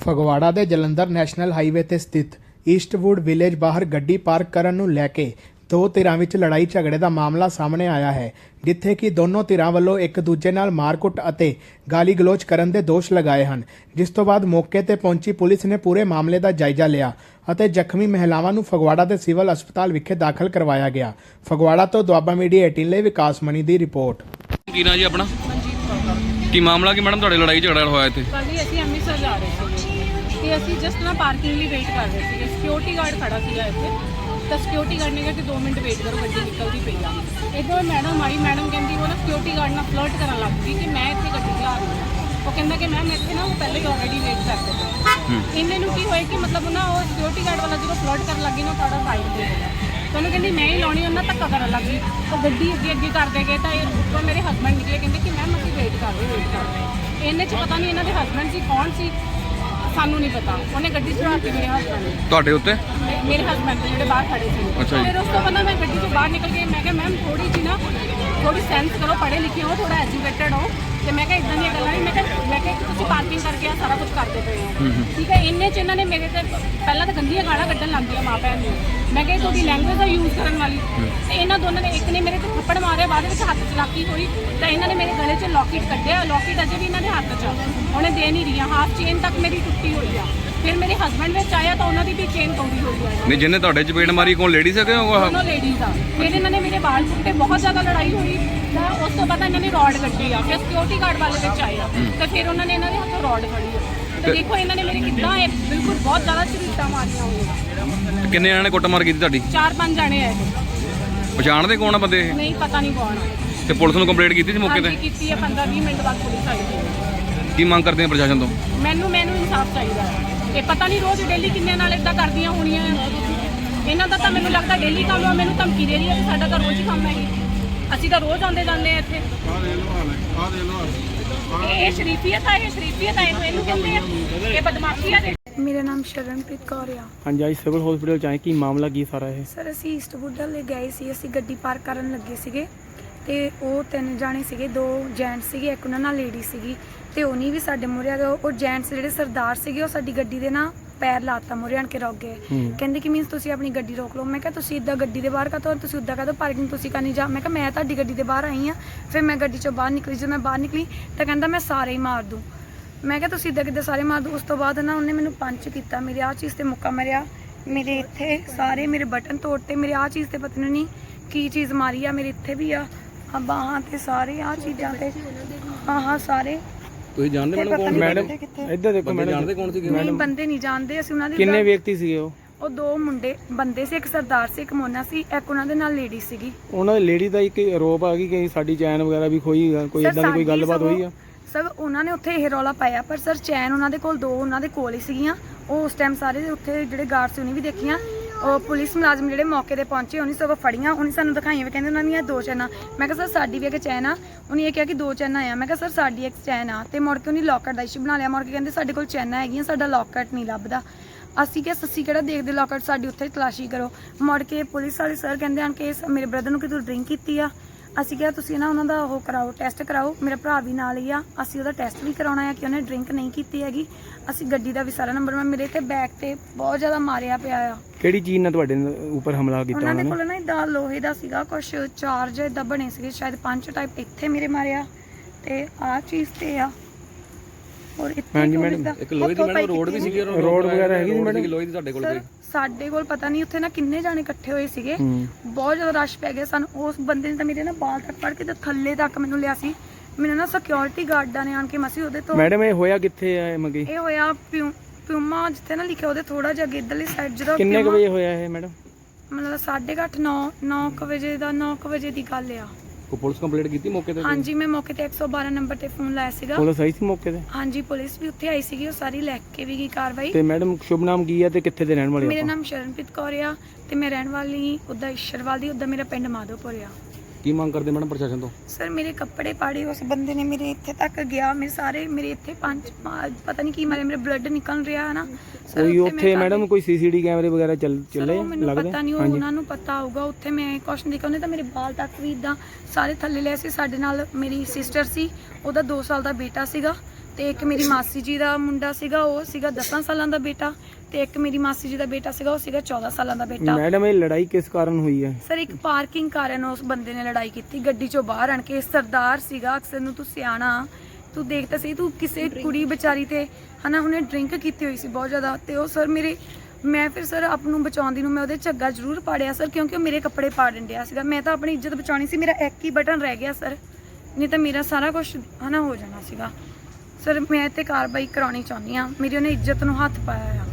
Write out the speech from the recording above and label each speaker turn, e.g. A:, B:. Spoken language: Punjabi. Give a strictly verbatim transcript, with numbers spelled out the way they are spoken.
A: ਫਗਵਾੜਾ ਦੇ ਜਲੰਧਰ ਨੈਸ਼ਨਲ ਹਾਈਵੇ ਤੇ ਸਥਿਤ ਈਸਟਵੁੱਡ ਵਿਲੇਜ ਬਾਹਰ ਗੱਡੀ ਪਾਰਕ ਕਰਨ ਨੂੰ ਲੈ ਕੇ ਦੋ ਧਿਰਾਂ ਵਿੱਚ ਲੜਾਈ ਝਗੜੇ ਦਾ ਮਾਮਲਾ ਸਾਹਮਣੇ ਆਇਆ ਹੈ, ਜਿੱਥੇ ਕਿ ਦੋਨੋਂ ਧਿਰਾਂ ਵੱਲੋਂ ਇੱਕ ਦੂਜੇ ਨਾਲ ਮਾਰਕੁੱਟ ਅਤੇ ਗਾਲੀ ਗਲੋਚ ਕਰਨ ਦੇ ਦੋਸ਼ ਲਗਾਏ ਹਨ। ਜਿਸ ਤੋਂ ਬਾਅਦ ਮੌਕੇ ਤੇ ਪਹੁੰਚੀ ਪੁਲਿਸ ਨੇ ਪੂਰੇ ਮਾਮਲੇ ਦਾ ਜਾਇਜ਼ਾ ਲਿਆ ਅਤੇ ਜ਼ਖਮੀ ਮਹਿਲਾਵਾਂ ਨੂੰ ਫਗਵਾੜਾ ਦੇ ਸਿਵਲ ਹਸਪਤਾਲ ਵਿਖੇ ਦਾਖਲ ਕਰਵਾਇਆ ਗਿਆ। ਫਗਵਾੜਾ ਤੋਂ ਦੁਆਬਾ ਮੀਡੀਆ ਅਠਾਰਾਂ ਲਈ ਵਿਕਾਸ ਮਣੀ ਦੀ ਰਿਪੋਰਟ।
B: ਕੀ ਨਾਂ ਜੀ ਆਪਣਾ? ਕੀ ਮਾਮਲਾ ਕੀ ਮੈਡਮ ਤੁਹਾਡੇ ਲੜਾਈ ਝਗੜਾ ਹੋਇਆ ਇੱਥੇ?
C: ਕੱਲ੍ਹ ਹੀ ਅਸੀਂ ਅੰਮ੍ਰਿਤਸਰ ਜਾ ਰਹੇ ਸੀ ਤੇ ਅਸੀਂ ਜਸਟ ਨਾ ਪਾਰਕਿੰਗ ਲਈ ਵੇਟ ਕਰ ਰਹੇ ਸੀ। ਸਿਕਿਉਰਿਟੀ ਗਾਰਡ ਖੜਾ ਸੀਗਾ ਇੱਥੇ, ਤਾਂ ਸਿਕਿਉਰਿਟੀ ਗਾਰਡ ਨੇ ਕਿਹਾ ਕਿ ਦੋ ਮਿੰਟ ਵੇਟ ਕਰੋ, ਗੱਡੀ ਨਿਕਲਦੀ ਪਈ ਆ। ਇੱਧਰੋਂ ਮੈਡਮ ਆਈ, ਮੈਡਮ ਕਹਿੰਦੀ ਉਹ ਨਾ ਸਿਕਿਉਰਿਟੀ ਗਾਰਡ ਨਾਲ ਫਲਰਟ ਕਰਨ ਲੱਗ ਗਈ ਕਿ ਮੈਂ ਇੱਥੇ ਗੱਡੀ ਚਲਾ ਰਹੀ ਹਾਂ। ਉਹ ਕਹਿੰਦਾ ਕਿ ਮੈਮ ਇੱਥੇ ਨਾ ਉਹ ਪਹਿਲੇ ਹੀ ਆਲਰੇਡੀ ਵੇਟ ਕਰਦੇ ਪਏ। ਇੰਨੇ ਨੂੰ ਕੀ ਹੋਇਆ ਕਿ ਮਤਲਬ ਨਾ ਉਹ ਸਿਕਿਉਰਿਟੀ ਗਾਰਡ ਵਾਲਾ ਜਦੋਂ ਫਲਰਟ ਕਰਨ ਲੱਗੀ ਨਾ ਤੁਹਾਡਾ ਸਾਈਡ ਤੇ ਹੋਇਆ, ਤਾਂ ਉਹਨੂੰ ਕਹਿੰਦੀ ਮੈਂ ਹੀ ਲਾਉਣੀ, ਉਹਨਾਂ ਧੱਕਾ ਕਰਨ ਲੱਗ ਗਈ। ਉਹ ਗੱਡੀ ਅੱਗੇ ਅੱਗੇ ਕਰਦੇ ਗਏ ਤਾਂ ਇਹ ਉੱਪਰੋਂ ਮੇਰੇ ਹਸਬੈਂਡ ਨਿਕਲੇ, ਕਹਿੰਦੇ ਕਿ ਮੈਮ ਅਸੀਂ ਵੇਟ ਕਰ ਰਹੇ ਵੇਟ ਕਰ ਰਹੇ। ਇਹਨੇ 'ਚ ਪਤਾ ਨਹੀਂ ਇਹਨਾਂ ਦੇ ਹਸਬੈਂਡ ਸੀ ਕੌਣ ਸੀ, ਸਾਨੂੰ ਨਹੀਂ ਪਤਾ। ਉਹਨੇ ਗੱਡੀ ਚੜਾਤੀ ਮੇਰੇ ਹਸਬੈਂਡ ਨੇ,
B: ਤੁਹਾਡੇ ਉੱਤੇ?
C: ਮੇਰੇ ਹਸਬੈਂਡ ਦੇ ਜਿਹੜੇ ਬਾਹਰ ਖੜੇ ਸੀ।
B: ਅੱਛਾ ਜੀ।
C: ਫਿਰ ਉਸ ਤੋਂ ਬਾਅਦ ਮੈਂ ਗੱਡੀ ਤੋਂ ਬਾਹਰ ਨਿਕਲ ਕੇ ਮੈਂ ਕਿਹਾ ਮੈਮ ਥੋੜੀ ਜੀ ਨਾ ਥੋੜੀ ਸੈਂਸ ਕਰੋ, ਪੜ੍ਹੇ ਲਿਖੇ ਹੋ, ਥੋੜਾ ਐਜੂਕੇਟਡ ਹੋ। ਤੇ ਮੈਂ ਕਿਹਾ ਇਦਾਂ ਦੀਆਂ ਗੱਲਾਂ ਨਹੀਂ, ਮੈਂ ਕਿਹਾ ਮੈਂ ਕਿਹਾ ਤੁਸੀਂ ਪਾਰਕਿੰਗ ਕਰਕੇ ਆ ਸਾਰਾ ਕੁਝ ਕਰਦੇ ਪਏ ਹੋ, ਠੀਕ ਹੈ। ਇੰਨੇ 'ਚ ਇਹਨਾਂ ਨੇ ਮੇਰੇ ਤੇ ਪਹਿਲਾਂ ਤਾਂ ਗੰਦੀਆਂ ਗਾਲਾਂ ਕੱਢਣ ਲੱਗ ਗਈਆਂ ਮਾਂ ਭੈਣ ਨੂੰ। ਮੈਂ ਕਿਹਾ ਤੁਹਾਡੀ ਲੈਂਗੁਏਜ ਦਾ ਯੂਜ਼ ਕਰਨ ਵਾਲੀ। ਤੇ ਇਹਨਾਂ ਦੋਨਾਂ ਨੇ, ਇੱਕ ਨੇ ਮੇਰੇ ਤੇ ਥੱਪੜ ਮਾਰਿਆ, ਬਾਅਦ ਵਿੱਚ ਹੱਥ ਚਲਾਕੀ ਹੋਈ ਤਾਂ ਇਹਨਾਂ ਨੇ ਮੇਰੇ ਗਲੇ 'ਚ ਲੌਕਟ ਕੱਢਿਆ। ਲੌਕਟ ਅਜੇ ਵੀ ਇਹਨਾਂ ਦੇ ਹੱਥ 'ਚ, ਉਹਨੇ ਦੇ ਨਹੀਂ ਰਹੀਆਂ। ਹਾਫ ਚੇਨ ਤੱਕ ਮੇਰੀ ਟੁੱਟੀ ਹੋਈ ਆ। ਫਿਰ ਮੇਰੇ ਹਸਬੈਂਡ ਵਿੱਚ ਆਇਆ ਤਾਂ ਉਹਨਾਂ ਦੀ ਵੀ ਚੇਨ ਤੋੜੀ ਹੋਈ ਆ।
B: ਨਹੀਂ, ਜਿਹਨੇ ਤੁਹਾਡੇ ਚਪੇੜ ਮਾਰੀ ਕੋਲ ਲੇਡੀਜ਼ ਹੈਗੇ ਉਹ?
C: ਦੋਨੋਂ ਲੇਡੀਜ਼ ਆ। ਫਿਰ ਇਹਨਾਂ ਨੇ ਮੇਰੇ ਬਾਲ ਪੁੱਟੇ, ਬਹੁਤ ਜ਼ਿਆਦਾ ਲੜਾਈ ਹੋਈ। ਤਾਂ ਉਸ ਤੋਂ ਬਾਅਦ ਇਹਨਾਂ ਨੇ ਰੋਡ ਕੱਢੀ ਆ। ਫਿਰ ਸਿਕਿਉਰਿਟੀ ਗਾਰਡ ਵਾਲੇ ਵਿੱਚ ਆਏ ਆ ਤਾਂ ਫਿਰ ਉਹਨਾਂ ਨੇ ਇਹਨਾਂ ਦੇ ਹੱਥੋਂ ਰੋਡ ਫੜੀ ਆ। ਤਾਂ ਦੇਖੋ ਇਹਨਾਂ ਨੇ ਮੇਰੇ ਕਿੱਦਾਂ ਇਹ ਬਿਲਕੁਲ ਬਹੁਤ ਜ਼ਿਆਦਾ ਝਰੀਟਾਂ ਮਾਰੀਆਂ ਹੋਈਆਂ।
B: ਕਿੰਨੇ ਜਣੇ ਨੇ ਕੁੱਟਮਾਰ ਕੀਤੀ ਤੁਹਾਡੀ?
C: ਚਾਰ ਪੰਜ ਜਾਣੇ ਆ ਇਹ।
B: ਪਛਾਣਦੇ ਕੌਣ ਆ ਬੰਦੇ ਇਹ?
C: ਨਹੀਂ, ਪਤਾ ਨਹੀਂ ਕੌਣ ਆ।
B: ਤੇ ਪੁਲਿਸ ਨੂੰ ਕੰਪਲੇਂਟ ਕੀਤੀ ਸੀ ਮੌਕੇ ਤੇ?
C: ਹਾਂਜੀ ਕੀਤੀ ਆ। ਪੰਦਰਾਂ ਵੀਹ ਮਿੰਟ ਬਾਅਦ ਪੁਲਿਸ ਆਈ ਸੀ।
B: ਕੀ ਮੰਗ ਕਰਦੇ ਆ ਪ੍ਰਸ਼ਾਸਨ ਤੋਂ?
C: ਮੈਨੂੰ ਮੈਨੂੰ ਇਨਸਾਫ ਚਾਹੀਦਾ ਹੈ। ਇਹ ਪਤਾ ਨਹੀਂ ਰੋਜ਼ ਡੇਲੀ ਕਿੰਨਿਆਂ ਨਾਲ ਇਦਾਂ ਕਰਦੀਆਂ ਹੋਣੀਆਂ। ਇਹਨਾਂ ਦਾ ਤਾਂ ਮੈਨੂੰ ਲੱਗਦਾ ਡੇਲੀ ਕੰਮ ਆ। ਮੈਨੂੰ ਧਮਕੀ ਦੇ ਰਹੀ ਹੈ ਕਿ ਸਾਡਾ ਤਾਂ ਰੋਜ਼ ਹੀ ਕੰਮ ਹੈ ਇਹ। ਅਸੀਂ ਤਾਂ ਰੋਜ਼ ਆਉਂਦੇ ਜਾਂਦੇ ਆ ਇੱਥੇ। ਇਹ ਸ਼ਰੀਫੀਅਤ ਆ, ਇਹ ਸ਼ਰੀਫੀਅਤ ਆ, ਇਹਨੂੰ ਇਹਨੂੰ ਕਹਿੰਦੇ ਆ। ਇਹ ਬਦਮਾਸ਼ੀ ਆ।
D: ਮੇਰਾ ਨਾਮ ਸ਼ਰਨਪ੍ਰੀਤ ਕੌਰ ਆ।
E: ਹਾਂਜੀ, ਅੱਜ ਸਿਵਲ ਹਸਪੀਟਲ ਚ ਆਏ, ਕੀ ਮਾਮਲਾ ਕੀ ਸਾਰਾ ਇਹ?
D: ਸਰ ਅਸੀਂ ਈਸਟਵੁੱਡ ਲੈ ਗਏ ਸੀ। ਅਸੀਂ ਗੱਡੀ ਪਾਰਕ ਕਰਨ ਲੱਗੇ ਸੀਗੇ ਤੇ ਉਹ ਤਿੰਨ ਜਾਣੇ ਸੀਗੇ, ਦੋ ਜੈਂਟਸ ਸੀਗੇ, ਇੱਕ ਉਹਨਾਂ ਨਾਲ ਲੇਡੀ ਸੀਗੀ। ਤੇ ਉਹਨੀ ਵੀ ਸਾਡੇ ਮੂਹਰੇ ਆ ਗਏ। ਉਹ ਜੈਂਟਸ ਜਿਹੜੇ ਸਰਦਾਰ ਸੀਗੇ ਉਹ ਸਾਡੀ ਗੱਡੀ ਦੇ ਨਾ ਪੈਰ ਲਾਤਾ, ਮੂਹਰੇ ਆਣ ਕੇ ਰੁਕ ਗਏ। ਕਹਿੰਦੇ ਕਿ ਮੀਨਸ ਤੁਸੀਂ ਆਪਣੀ ਗੱਡੀ ਰੋਕ ਲਓ। ਮੈਂ ਕਿਹਾ ਤੁਸੀਂ ਇੱਦਾਂ ਗੱਡੀ ਦੇ ਬਾਹਰ ਕਾਹਤੋਂ, ਤੁਸੀਂ ਉੱਦਾਂ ਕਾਹਤੋਂ ਪਾਰਕਿੰਗ ਤੁਸੀਂ ਕਰਨੀ ਜਾ। ਮੈਂ ਕਿਹਾ ਮੈਂ ਤੁਹਾਡੀ ਗੱਡੀ ਦੇ ਬਾਹਰ ਆਈ ਹਾਂ। ਫਿਰ ਮੈਂ ਗੱਡੀ ਚੋਂ ਬਾਹਰ ਨਿਕਲੀ। ਜਦੋਂ ਮੈਂ ਬਾਹਰ ਨਿਕਲੀ ਤਾਂ ਕਹਿੰਦਾ ਮੈਂ ਸਾਰੇ ਹੀ ਮਾਰ ਦੂੰ। ਮੈਂ ਕਿਹਾ ਤੁਸੀਂ ਇੱਦਾਂ ਕਿੱਦਾਂ ਸਾਰੇ ਮਾਰ ਦੂੰ। ਉਸ ਤੋਂ ਬਾਅਦ ਨਾ ਉਹਨੇ ਮੈਨੂੰ ਪੰਚ ਕੀਤਾ, ਮੇਰੇ ਆਹ ਚੀਜ਼ 'ਤੇ ਮੁੱਕਾ ਮਾਰਿਆ, ਮੇਰੇ ਇੱਥੇ ਸਾਰੇ ਮੇਰੇ ਬਟਨ ਤੋੜਤੇ, ਮੇਰੇ ਆਹ ਚੀਜ਼ 'ਤੇ ਪਤਾ ਨਹੀਂ ਕੀ ਚੀਜ਼ ਮਾਰੀ ਆ, ਮੇਰੇ ਇੱਥੇ ਵੀ ਆ, ਆ ਬਾਹਾਂ 'ਤੇ ਸਾਰੇ ਆਹ ਚੀਜ਼ਾਂ 'ਤੇ, ਹਾਂ ਹਾਂ ਸਾਰੇ।
B: ਤੁਸੀਂ ਜਾਣਦੇ ਮੈਡਮ ਕੌਣ?
E: ਮੈਡਮ ਇੱਧਰ ਦੇਖੋ ਮੈਡਮ।
B: ਜਾਣਦੇ ਕੌਣ ਸੀਗੇ?
D: ਨਹੀਂ, ਬੰਦੇ ਨਹੀਂ ਜਾਣਦੇ ਅਸੀਂ ਉਹਨਾਂ ਦੇ।
E: ਕਿੰਨੇ ਵਿਅਕਤੀ ਸੀਗੇ ਉਹ?
D: ਉਹ ਦੋ ਮੁੰਡੇ ਬੰਦੇ ਸੀ, ਇੱਕ ਸਰਦਾਰ ਸੀ, ਇੱਕ ਮੋਨਾ ਸੀ, ਇੱਕ ਉਹਨਾਂ ਦੇ ਨਾਲ ਲੇਡੀ ਸੀਗੀ।
E: ਉਹਨਾਂ ਦੀ ਲੇਡੀ ਦਾ ਇੱਕ ਆਰੋਪ ਆ ਗਈ ਕਿ ਸਾਡੀ ਚੈਨ ਵਗੈਰਾ ਵੀ ਖੋਈ, ਕੋਈ
D: ਸਰ,
E: ਇਦਾਂ ਦੀ ਕੋਈ
D: ਸਾਡੀ
E: ਗੱਲਬਾਤ ਹੋਈ ਆ?
D: ਸਰ ਉਹਨਾਂ ਨੇ ਉੱਥੇ ਇਹ ਰੌਲਾ ਪਾਇਆ, ਪਰ ਸਰ ਚੈਨ ਉਹਨਾਂ ਦੇ ਕੋਲ ਦੋ ਉਹਨਾਂ ਦੇ ਕੋਲ ਹੀ ਸੀਗੀਆਂ। ਉਹ ਉਸ ਟਾਈਮ ਸਾਰੇ ਉੱਥੇ ਜਿਹੜੇ ਗਾਰਡ ਸੀ ਉਹਨੇ ਵੀ ਦੇਖੀਆਂ। ਉਹ ਪੁਲਿਸ ਮੁਲਾਜ਼ਮ ਜਿਹੜੇ ਮੌਕੇ ਤੇ ਪਹੁੰਚੇ ਉਹਨੇ ਸਗੋਂ ਫੜੀਆਂ, ਉਹਨੇ ਸਾਨੂੰ ਦਿਖਾਈਆਂ ਵੀ, ਕਹਿੰਦੇ ਉਹਨਾਂ ਦੀਆਂ ਦੋ ਚੈਨਾਂ। ਮੈਂ ਕਿਹਾ ਸਰ ਸਾਡੀ ਵੀ ਇੱਕ ਚੈਨ ਆ। ਉਹਨੇ ਇਹ ਕਿਹਾ ਕਿ ਦੋ ਚੈਨਾਂ ਆ। ਮੈਂ ਕਿਹਾ ਸਰ ਸਾਡੀ ਇੱਕ ਚੈਨ ਆ। ਤੇ ਮੁੜ ਕੇ ਉਹਨੇ ਲੌਕਟ ਦਾ ਇਸ਼ੂ ਬਣਾ ਲਿਆ। ਮੁੜ ਕੇ ਕਹਿੰਦੇ ਸਾਡੇ ਕੋਲ ਚੈਨਾਂ ਹੈਗੀਆਂ, ਸਾਡਾ ਲੌਕਟ ਨਹੀਂ ਲੱਭਦਾ। ਅਸੀਂ ਕਿਹਾ ਸੱਸੀ ਕਿਹੜਾ ਦੇਖਦੇ ਲੌਕਟ, ਸਾਡੀ ਉੱਥੇ ਤਲਾਸ਼ੀ ਕਰੋ। ਮੁੜ ਕੇ ਪੁਲਿਸ ਵਾਲੇ ਸਰ ਕਹਿੰਦੇ ਹਨ ਕਿ ਮੇਰੇ ਬ੍ਰਦਰ ਨੂੰ ਕਿ ਤੂੰ ਡਰਿੰਕ ਕੀਤੀ ਆ। ਅਸੀਂ ਕਿਹਾ ਤੁਸੀਂ ਨਾ ਉਹਨਾਂ ਦਾ ਉਹ ਕਰਾਓ, ਟੈਸਟ ਕਰਾਓ। ਮੇਰਾ ਭਰਾ ਵੀ ਨਾਲ ਹੀ ਆ, ਅਸੀਂ ਉਹਦਾ ਟੈਸਟ ਵੀ ਕਰਾਉਣਾ ਆ ਕਿ ਉਹਨੇ ਡਰਿੰਕ ਨਹੀਂ ਕੀਤੀ ਹੈਗੀ। ਅਸੀਂ ਗੱਡੀ ਦਾ ਵੀ ਸਾਰਾ ਨੰਬਰ, ਮੈਂ ਮੇਰੇ ਤੇ ਬੈਕ ਤੇ ਬਹੁਤ ਜ਼ਿਆਦਾ ਮਾਰਿਆ ਪਿਆ ਆ।
E: ਕਿਹੜੀ ਚੀਜ਼ ਨਾਲ ਤੁਹਾਡੇ ਉੱਪਰ ਹਮਲਾ ਕੀਤਾ
D: ਉਹਨਾਂ
E: ਉਹਨਾਂ
D: ਦੇ
E: ਨੇ?
D: ਕੋਲ ਨਾ ਇਦਾਂ ਲੋਹੇ ਦਾ ਸੀਗਾ ਕੁਛ, ਚਾਰਜ ਇਦਾਂ ਬਣੇ ਸੀਗੇ, ਸ਼ਾਇਦ ਪੰਜ ਟਾਈਪ। ਇੱਥੇ ਮੇਰੇ ਮਾਰਿਆ ਤੇ ਆਹ ਚੀਜ਼ ਤੇ ਆ। ਔਰ ਇੱਥੇ
E: ਹਾਂਜੀ ਮੈਡਮ,
B: ਇੱਕ ਲੋਹੇ ਦੀ ਮੈਡਮ ਰੋਡ ਵੀ ਸੀਗੀ,
E: ਰੋਡ ਵਗੈਰਾ ਹੈਗੀ ਸੀ ਮੈਡਮ?
B: ਲੋਹੇ ਦੀ ਤੁਹਾਡੇ ਕੋਲ ਕੋਈ?
D: ਸਾਡੇ ਕੋਲ ਪਤਾ ਨਹੀਂ ਉੱਥੇ ਨਾ ਕਿੰਨੇ ਜਾਣੇ ਇਕੱਠੇ ਹੋਏ ਸੀਗੇ, ਬਹੁਤ ਜ਼ਿਆਦਾ ਰਸ਼ ਪੈ ਗਿਆ ਸਾਨੂੰ। ਉਸ ਬੰਦੇ ਨੇ ਤਾਂ ਮੇਰੇ ਨਾ ਬਾਲ ਤੱਕ ਫੜ ਕੇ ਤੇ ਥੱਲੇ ਤੱਕ ਮੈਨੂੰ ਲਿਆ ਸੀ। ਮੈਨੂੰ ਨਾ ਸਿਕਿਉਰਿਟੀ ਗਾਰਡਾਂ ਨੇ ਆਣ ਕੇ ਮਸੀ ਉਹਦੇ ਤੋਂ। ਮੈਡਮ
E: ਇਹ ਹੋਇਆ ਕਿੱਥੇ ਆ ਮਗੀ?
D: ਇਹ ਹੋਇਆ ਪਿਊ ਪਿਊਮਾ ਜਿੱਥੇ ਨਾ ਲਿਖਿਆ ਉਹਦੇ ਥੋੜਾ ਜਿਹਾ ਅੱਗੇ ਇੱਧਰਲੀ ਸਾਈਡ। ਜਦੋਂ
E: ਕਿੰਨੇ ਕੁ ਵਜੇ ਹੋਇਆ ਇਹ ਮੈਡਮ?
D: ਮਤਲਬ ਸਾਢੇ ਕੁ ਅੱਠ ਨੌ ਨੌ ਕੁ ਵਜੇ ਦਾ, ਨੌ ਕੁ ਵਜੇ ਦੀ ਗੱਲ ਆ।
B: ਕੋਈ ਪੁਲਿਸ ਕੰਪਲੇਂਟ ਕੀਤੀ ਮੌਕੇ ਤੇ?
D: ਹਾਂਜੀ, ਮੈਂ ਮੌਕੇ ਤੇ ਇੱਕ ਸੌ ਬਾਰਾਂ ਨੰਬਰ ਤੇ ਫੋਨ ਲਾਇਆ ਸੀਗਾ।
E: ਪੁਲਿਸ ਆਈ ਸੀ ਮੌਕੇ ਤੇ?
D: ਹਾਂਜੀ, ਪੁਲਿਸ ਵੀ ਉੱਥੇ ਆਈ ਸੀਗੀ, ਉਹ ਸਾਰੀ ਲੈ ਕੇ ਵੀ ਗਈ ਕਾਰਵਾਈ।
E: ਤੇ ਮੈਡਮ ਸ਼ੁਭ ਨਾਮ ਕੀ ਆ ਤੇ ਕਿੱਥੇ ਦੇ ਰਹਿਣ ਵਾਲੇ?
D: ਮੇਰਾ ਨਾਮ ਸ਼ਰਨਪ੍ਰੀਤ ਕੌਰ ਆ ਤੇ ਮੈਂ ਰਹਿਣ ਵਾਲੀ ਉੱਦਾਂ ਈਸ਼ਰਵਾਲ ਦੀ, ਉੱਦਾਂ ਮੇਰਾ ਪਿੰਡ ਮਾਧੋਪੁਰ ਆ।
B: ਕੀ ਮੰਗ ਕਰਦੇ ਮੈਡਮ ਪ੍ਰਸ਼ਾਸਨ ਤੋਂ?
D: ਸਰ ਮੇਰੇ ਕੱਪੜੇ ਪਾੜੇ ਉਸ ਬੰਦੇ ਨੇ, ਮੇਰੇ ਇੱਥੇ ਤੱਕ ਗਿਆ, ਮੇਰੇ ਸਾਰੇ ਮੇਰੇ ਇੱਥੇ ਪੰਜ ਪਤਾ ਨਹੀਂ ਕੀ ਮਾਰੇ, ਮੇਰੇ ਬਲੱਡ ਨਿਕਲ ਰਿਹਾ ਹੈ ਨਾ।
E: ਕੋਈ ਉੱਥੇ ਮੈਡਮ ਕੋਈ ਸੀਸੀਟੀ ਕੈਮਰੇ ਵਗੈਰਾ ਚੱਲ ਚੱਲੇ
D: ਮੈਨੂੰ ਪਤਾ ਨਹੀਂ, ਉਹਨਾਂ ਨੂੰ ਪਤਾ ਹੋਊਗਾ। ਉੱਥੇ ਮੈਂ ਕੁਛ ਨਹੀਂ ਦੇਖਿਆ। ਉਹਨੇ ਤਾਂ ਮੇਰੇ ਬਾਲ ਤੱਕ ਵੀ ਇਦਾਂ ਸਾਰੇ ਥੱਲੇ ਲਏ ਸੀ। ਸਾਡੇ ਨਾਲ ਮੇਰੀ ਸਿਸਟਰ ਸੀ, ਉਹਦਾ ਦੋ ਸਾਲ ਦਾ ਬੇਟਾ ਸੀਗਾ ਤੇ ਇੱਕ ਮੇਰੀ ਮਾਸੀ ਜੀ ਦਾ ਮੁੰਡਾ ਸੀਗਾ, ਉਹ ਸੀਗਾ ਦਸਾਂ ਸਾਲਾਂ ਦਾ ਬੇਟਾ, ਤੇ ਇੱਕ ਮੇਰੀ ਮਾਸੀ ਜੀ ਦਾ ਬੇਟਾ ਸੀਗਾ, ਉਹ ਸੀਗਾ ਚੌਦਾਂ ਸਾਲਾਂ ਦਾ ਬੇਟਾ।
E: ਮੈਡਮ ਇਹ ਲੜਾਈ ਕਿਸ ਕਾਰਨ ਹੋਈ ਹੈ?
D: ਸਰ ਇੱਕ ਪਾਰਕਿੰਗ ਕਾਰਨ ਉਸ ਬੰਦੇ ਨੇ ਲੜਾਈ ਕੀਤੀ, ਗੱਡੀ ਚੋਂ ਬਾਹਰ ਆਣ ਕੇ। ਸਰਦਾਰ ਸੀਗਾ, ਅਕਸਰ ਨੂੰ ਤੂੰ ਸਿਆਣਾ, ਤੂੰ ਦੇਖਦਾ ਸੀ, ਤੂੰ ਕਿਸੇ ਕੁੜੀ ਵਿਚਾਰੀ ਤੇ ਹਨਾ ਉਹਨੇ ਡਰਿੰਕ ਕੀਤੀ ਹੋਈ ਸੀ ਬਹੁਤ ਜ਼ਿਆਦਾ। ਤੇ ਉਹ ਸਰ ਮੇਰੇ ਮੈਂ ਫਿਰ ਸਰ ਆਪ ਨੂੰ ਬਚਾਉਂਦੀ ਨੂੰ ਮੈਂ ਉਹਦੇ ਝੱਗਾ ਜ਼ਰੂਰ ਪਾੜਿਆ ਸਰ, ਕਿਉਂਕਿ ਉਹ ਮੇਰੇ ਕੱਪੜੇ ਪਾੜਨ ਡਿਆ ਸੀਗਾ। ਮੈਂ ਤਾਂ ਆਪਣੀ ਇੱਜ਼ਤ ਬਚਾਉਣੀ ਸੀ, ਮੇਰਾ ਇੱਕ ਹੀ ਬਟਨ ਰਹਿ ਗਿਆ ਸਰ, ਨਹੀਂ ਤਾਂ ਮੇਰਾ ਸਾਰਾ ਕੁਝ ਹਨਾ ਹੋ ਜਾਣਾ ਸੀਗਾ। ਸਰ ਮੈਂ ਤੇ ਕਾਰਵਾਈ ਕਰਾਉਣੀ ਚਾਹੁੰਦੀ ਹਾਂ, ਮੇਰੀ ਉਹਨੇ ਇੱਜ਼ਤ ਨੂੰ ਹੱਥ ਪਾਇਆ ਆ।